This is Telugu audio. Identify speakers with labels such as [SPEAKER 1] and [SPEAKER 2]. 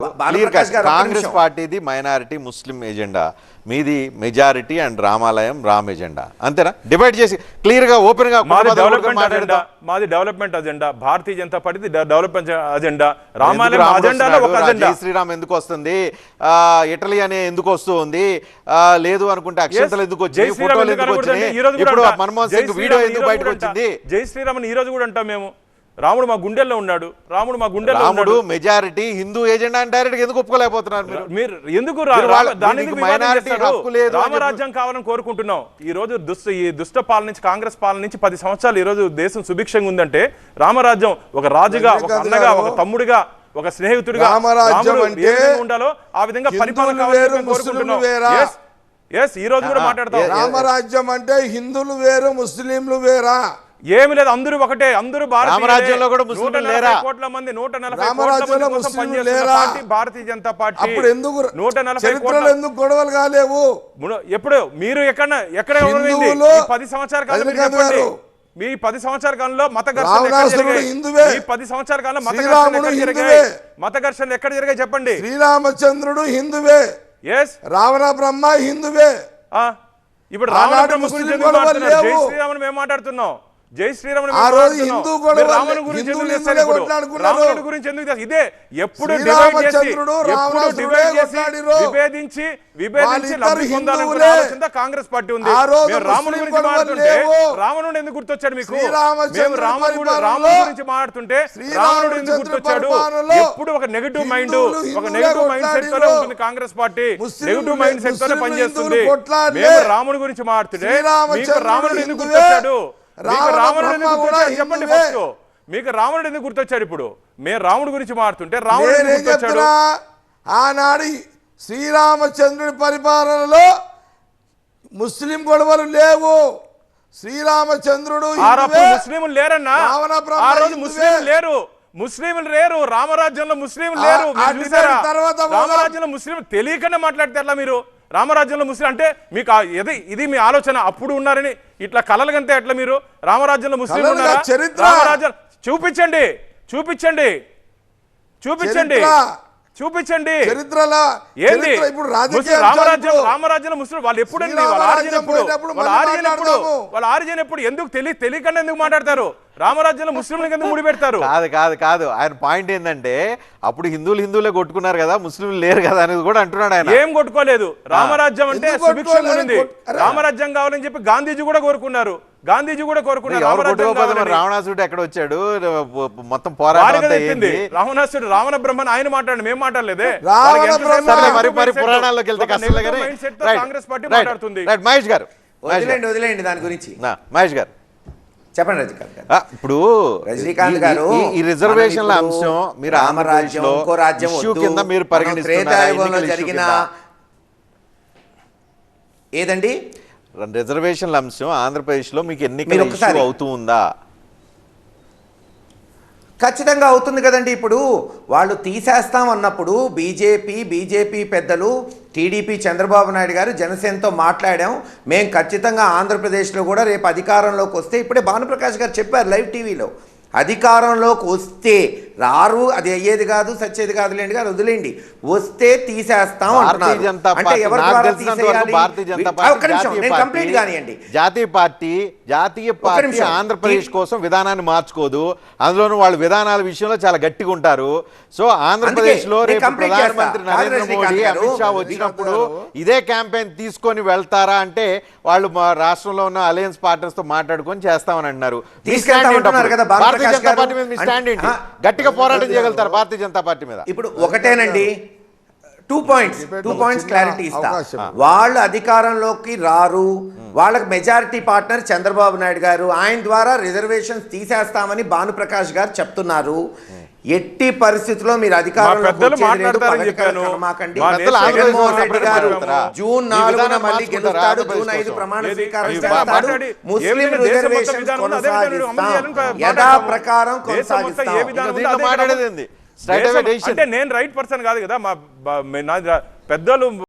[SPEAKER 1] కాంగ్రెస్ పార్టీది మైనారిటీ ముస్లిం ఎజెండా, మీది మెజారిటీ అండ్ రామాలయం రామ్ ఎజెండా, అంతేనా? డిబేట్ చేసి క్లియర్ గా ఓపెన్ గా
[SPEAKER 2] మాది development agenda, Bharatiya Janata party development agenda, రామాలయం అజెండాలో ఒక అజెండా.
[SPEAKER 1] జై శ్రీరామ్ ఎందుకు వస్తుంది, ఇటలీ అనే ఎందుకు వస్తుంది, లేదు అనుకుంటే అక్షంతలు ఎందుకు వచ్చింది, ఫోటోలు ఎందుకు వచ్చినాయి, ఇప్పుడు మన్మోహన్ సింగ్ వీడియో ఎందుకు బయటకు వచ్చింది?
[SPEAKER 2] జై శ్రీరామ్ ఈ రోజు కూడా అంటాం మేము. రాముడు మా గుండెల్లో ఉన్నాడు,
[SPEAKER 1] రాముడు మెజారిటీ హిందూ ఏజెండా అని డైరెక్ట్ ఎందుకు ఒప్పుకోలేకపోతున్నారు
[SPEAKER 2] మీరు? ఎందుకు రామరాజ్యం కావాలని కోరుకుంటున్నాం. ఈ రోజు దుష్ట పాలన నుంచి, కాంగ్రెస్ పాలన నుంచి 10 సంవత్సరాలు ఈ రోజు దేశం సుభిక్షంగా ఉందంటే రామరాజ్యం ఒక రాజుగా, ఒక అన్నగా, ఒక తమ్ముడిగా, ఒక స్నేహితుడిగా ఉండాలో ఆ విధంగా పరిపాలన కావాలని కోరుకుంటున్నాం. ఈ రోజు కూడా మాట్లాడతాం.
[SPEAKER 3] రామరాజ్యం అంటే హిందువులు వేరు, ముస్లింలు వేరా?
[SPEAKER 2] ఏమి లేదు, అందరూ ఒకటే. అందరూ
[SPEAKER 1] రామరాజ్యంలో కూడా ముస్లింలు లేరా?
[SPEAKER 2] 140 కోట్ల మంది 140 కోట్ల మంది పనిచేస్తున్న పార్టీ భారతీయ జనతా పార్టీ.
[SPEAKER 3] అప్పుడు ఎందుకు
[SPEAKER 2] 140 కోట్ల
[SPEAKER 3] ఎందుకు గొడవలు కాలేవు?
[SPEAKER 2] ఎప్పుడు మీరు ఎక్కడ 10 సంవత్సరాల కాలం చెప్పండి. మీ 10 సంవత్సరాల కాలంలో మత ఘర్షణ, 10 సంవత్సరాల కాలంలో మత ఘర్షణలు ఎక్కడ జరిగాయి చెప్పండి.
[SPEAKER 3] శ్రీరామచంద్రుడు హిందువే, రావణ బ్రహ్మ హిందువే.
[SPEAKER 2] ఇప్పుడు రావణ బ్రహ్మ గురించి జై శ్రీరామని మేము మాట్లాడుతున్నాం. జై శ్రీరామ్ రాముడి గురించి ఎందుకు? ఇదే ఎప్పుడు విభేదించి లబ్ధి పొందాలనుకునే ఆలోచన కాంగ్రెస్ పార్టీ ఉంది. రాముడి గురించి మాట్లాడుతుంటే రావణుడు ఎందుకు గుర్తొచ్చాడు మీకు? మేము రాముడి గురించి మాట్లాడుతుంటే రావణుడు ఎందుకు గుర్తొచ్చాడు? ఎప్పుడు ఒక నెగటివ్ మైండ్ సెట్ తోనే ఉంటుంది Congress party. Negative mindset తోనే పనిచేస్తుంది. మేము రాముడి గురించి మాట్లాడుతుంటే మీకు రావణుడు ఎందుకు గుర్తొచ్చాడు? చెప్పండి ఫస్ట్. మీకు రావణుడు ఎందుకు గుర్తొచ్చాడు? ఇప్పుడు మేము రాముడి గురించి మాట్లాడుతుంటే రావణుడు ఎందుకు గుర్తొచ్చాడు?
[SPEAKER 3] ఆనాడు శ్రీరామచంద్రుడి పరిపాలనలో ముస్లిం గొడవలు లేవు. శ్రీరామచంద్రుడు
[SPEAKER 2] ముస్లింలు లేరన్నా, ఆ రోజు ముస్లింలు లేరు రామరాజ్యంలో, ముస్లింలు లేరు. రామరాజ్యంలో ముస్లింలు తెలియకనే మాట్లాడితే మీరు రామరాజ్యంలో ముస్లిం అంటే మీకు ఇది మీ ఆలోచన? అప్పుడు ఉన్నారని ఇట్లా కలలుగంతే ఎట్లా మీరు? రామరాజ్యంలో ముస్లిం ఉన్నారా? రామరాజ్యం చూపించండి, చూపించండి, చూపించండి, చూపించండి. ఏంది రామరాజ్యంలో ముస్లిం? వాళ్ళు ఎప్పుడండి? వాళ్ళ ఆరిజిన్ ఎప్పుడు? ఎందుకు తెలియకుండా ఎందుకు మాట్లాడతారు? రామరాజ్యంలో ముస్లింలకు ఎందుకు ముడి పెడతారు?
[SPEAKER 1] కాదు ఆయన పాయింట్ ఏంటంటే అప్పుడు హిందువులే కొట్టుకున్నారు కదా, ముస్లింలు లేరు కదా అనేది కూడా అంటున్నాడు ఆయన.
[SPEAKER 2] ఏం కొట్టుకోలేదు. రామరాజ్యం అంటే సుభిక్షంగా ఉంది. రామరాజ్యం కావాలని చెప్పి గాంధీజీ కూడా కోరుకున్నారు.
[SPEAKER 1] రావణాసుడు ఎక్కడ వచ్చాడు? మొత్తం పోరాటం
[SPEAKER 2] రావణాసుడు రావణ బ్రహ్మన్ ఆయన మాట్లాడండి, మేము మాట్లాడలేదే.
[SPEAKER 1] పురాణాల్లోకి వెళ్తే
[SPEAKER 2] కాంగ్రెస్ పార్టీ మాట్లాడుతుంది.
[SPEAKER 1] మహేష్ గారు
[SPEAKER 4] వదిలేండి దాని గురించి.
[SPEAKER 1] మహేష్ గారు చెప్పండి. రజనీకాంత్ గారు, ఇప్పుడు రజనీకాంత్ గారు ఈ రిజర్వేషన్ల అంశం మీరు
[SPEAKER 4] రామరాజ్యం ఇంకో రాజ్యం
[SPEAKER 1] కింద మీరు పరిగణిస్తున్నారు
[SPEAKER 4] జరిగిన ఏదండి
[SPEAKER 1] రిజర్వేషన్ల అంశం ఆంధ్రప్రదేశ్ లో మీకు ఎన్నికల ఇష్యూ అవుతూ ఉందా?
[SPEAKER 4] ఖచ్చితంగా అవుతుంది కదండి. ఇప్పుడు వాళ్ళు తీసేస్తాం అన్నప్పుడు బీజేపీ పెద్దలు, టీడీపీ చంద్రబాబు నాయుడు గారు జనసేనతో మాట్లాడాం. మేము ఖచ్చితంగా ఆంధ్రప్రదేశ్లో కూడా రేపు అధికారంలోకి వస్తే, ఇప్పుడే భానుప్రకాష్ గారు చెప్పారు లైవ్ టీవీలో, అధికారంలోకి వస్తే రారు, అది అయ్యేది కాదు, సచ్చేది కాదు లేండి గారు, వదిలేండి, వస్తే తీసేస్తాం అంటున్నారు. అంటే ఎవరి ద్వారా తీసేయాలి? కంప్లీట్ కానివ్వండి.
[SPEAKER 1] జాతీయ పార్టీ ఆంధ్రప్రదేశ్ కోసం విధానాన్ని మార్చుకోదు. అందులోనూ వాళ్ళు విధానాల విషయంలో చాలా గట్టిగా ఉంటారు. సో ఆంధ్రప్రదేశ్ లో రేపు ప్రధానమంత్రి నరేంద్ర మోడీ, అమిత్ షా వచ్చినప్పుడు ఇదే క్యాంపెయిన్ తీసుకొని వెళ్తారా అంటే వాళ్ళు మా రాష్ట్రంలో ఉన్న అలయన్స్ పార్టనర్స్ తో మాట్లాడుకొని చేస్తామని అంటున్నారు. భారతీయ జనతా పార్టీ మీద మీ స్టాండ్ ఏంటి? గట్టిగా పోరాటం చేయగలుగుతారు భారతీయ జనతా పార్టీ మీద?
[SPEAKER 4] ఇప్పుడు ఒకటేనండి, 2 పాయింట్స్ క్లారిటీ ఇస్తా. వాళ్ళు అధికారంలోకి రారు, వాళ్ళకి మెజారిటీ పార్ట్నర్ చంద్రబాబు నాయుడు గారు, ఆయన ద్వారా రిజర్వేషన్స్ తీసేస్తామని భానుప్రకాష్ గారు చెప్తున్నారు. ఎట్టి పరిస్థితుల్లో మీరు అధికారంలో జూన్ 4న మళ్ళీ గెలుస్తాడు, జూన్ 5 ప్రమాణ స్వీకారం చేస్తాడు. ముస్లిం రిజర్వేషన్ కొనసాగిస్తాం, యథాప్రకారం కొనసాగిస్తాం.
[SPEAKER 2] అంటే నేను రైట్ పర్సన్ కాదు కదా, మా పెద్దలు